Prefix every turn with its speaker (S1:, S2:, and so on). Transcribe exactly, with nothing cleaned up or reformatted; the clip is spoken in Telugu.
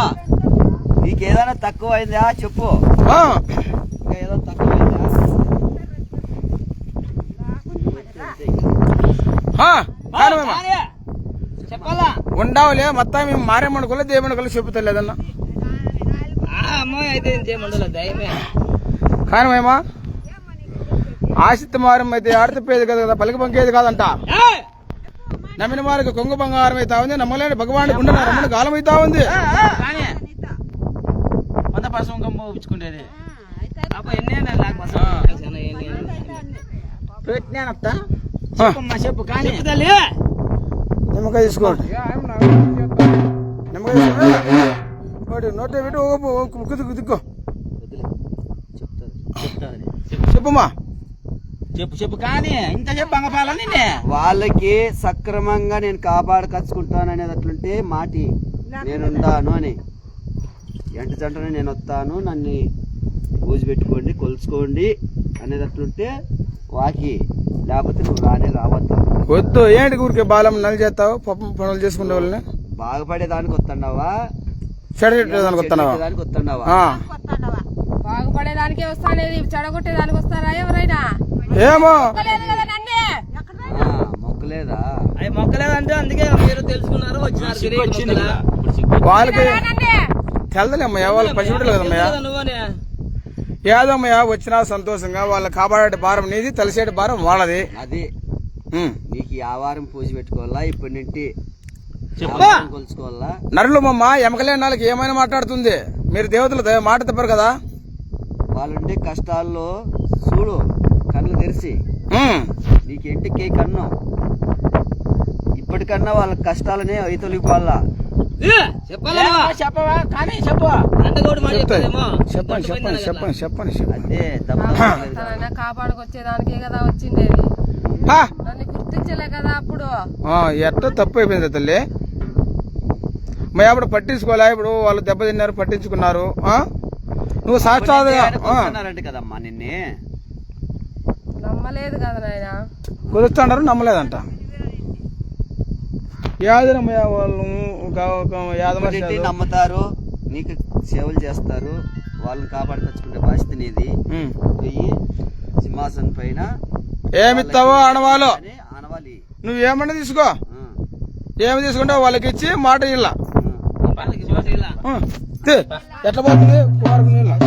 S1: నీకేదైనా తక్కువ అయిందా చెప్పు. ఇంకా ఏదో తక్కువ
S2: చెప్పాలా
S3: ఉండవులే మొత్తం మేము మారేమని కొల దేవుని కొల చెప్పుతలేదన్నా
S2: అమ్మాయి అయితే ఇంకేమండలే దయమే
S3: కానీ మేమా ఆశిత మారం అయితే ఆడతపోయేది కదా కదా పలికి పంకేది కాదంట. నమ్మిన వారికి కొంగు బంగారం అవుతా ఉంది, నమ్మలేని భగవాన్ గుండె రమ్మని గాలం అవుతా ఉంది.
S2: వంద పర్సం పంపించుకుంటేది చెప్పు కానీ
S3: నిమ్మకాయ తీసుకోండి, నిమ్మకాయ తీసుకోండి, నోటే పెట్టి ముక్కు దిక్కో చెప్పుమా
S2: చెప్పు చెప్పు కానీ ఇంత చెప్పు అంగపాల నిన్నే
S1: వాళ్ళకి సక్రమంగా నేను కాపాడకచ్చుకుంటాను అనేది అట్లుంటే మాటి నేనుండాను అని ఎంట జంటనే నేను వస్తాను నన్ను పూజ పెట్టుకోండి కొలుచుకోండి అనేది అట్లుంటే వాకి, లేకపోతే నువ్వు రానే రావద్దు.
S3: వద్దు ఏంటి ఊరికే బాలం నల్ చేస్తావు పాపం పనులు చేసుకునే వాళ్ళని
S1: బాగుపడేదానికి వస్తున్నావా
S3: చెడగొట్టేదానికి వస్తున్నావా
S1: దానికి వస్తున్నావా
S4: బాగుపడేదానికే వస్తానేది చెడగొట్టేదానికి వస్తారా ఎవరైనా?
S3: ఏమో
S1: మొక్కలేదా
S2: అవి మొక్కలేదంటే అందుకే మీరు తెలుసుకున్నారు వచ్చినారు
S3: వాళ్ళకి తెలదలేమ్మయ్యా వాళ్ళకి పసిబిడ్డలు కదమ్మయ్యా.
S2: నువ్వనే
S3: ఏదమ్మయ్యా వచ్చినా సంతోషంగా వాళ్ళ కాపాడే భారం నీది, తెలిసేటి భారం వాళ్ళది.
S1: అది నీకు ఆ వారం పూజ పెట్టుకోవాలా ఇప్పటి నుండి కొలుచుకోవాలా.
S3: నరులు మమ్మ ఎమకలేని నాళ్ళకి ఏమైనా మాట్లాడుతుంది, మీరు దేవతలు మాట తప్పరు కదా.
S1: వాళ్ళుండే కష్టాల్లో చూడు కళ్ళు తెరిచి నీకేంటికే కన్ను ఇప్పటికన్నా వాళ్ళ కష్టాలనే అయితొలిపాలా.
S2: చెప్పాలా చెప్పవా కానీ చెప్పు
S3: చెప్పండి చెప్పండి చెప్పండి చెప్పండి
S1: అదే
S4: కాపాడుకొచ్చేదానికే కదా వచ్చిండేది, నన్ను గుర్తించలే కదా అప్పుడు.
S3: ఎట్టో తప్పు అయిపోయింది తల్లి. మరి అప్పుడు పట్టించుకోలే, ఇప్పుడు వాళ్ళు దెబ్బతిన్నారు పట్టించుకున్నారు. నువ్వు సాక్షాత్
S1: కదమ్మా నిన్నే
S4: నమ్మలేదు కదా నాయన,
S3: కుదురుతున్నారు నమ్మలేదంట. యాదనమ్మయ్య వాళ్ళు
S1: నమ్ముతారు, నీకు సేవలు చేస్తారు, వాళ్ళని కాపాడుకొచ్చుకునే బాధ్యత నీది. పోయి సింహాసనం పైన
S3: ఏమిస్తావో ఆడవాళ్ళు
S1: ఆనవాలి,
S3: నువ్వేమన్నా తీసుకో, ఏమి తీసుకుంటావు వాళ్ళకి ఇచ్చి మాట ఇల్ల. ఎట్లా పోతుంది కుమారుకు నీళ్ళ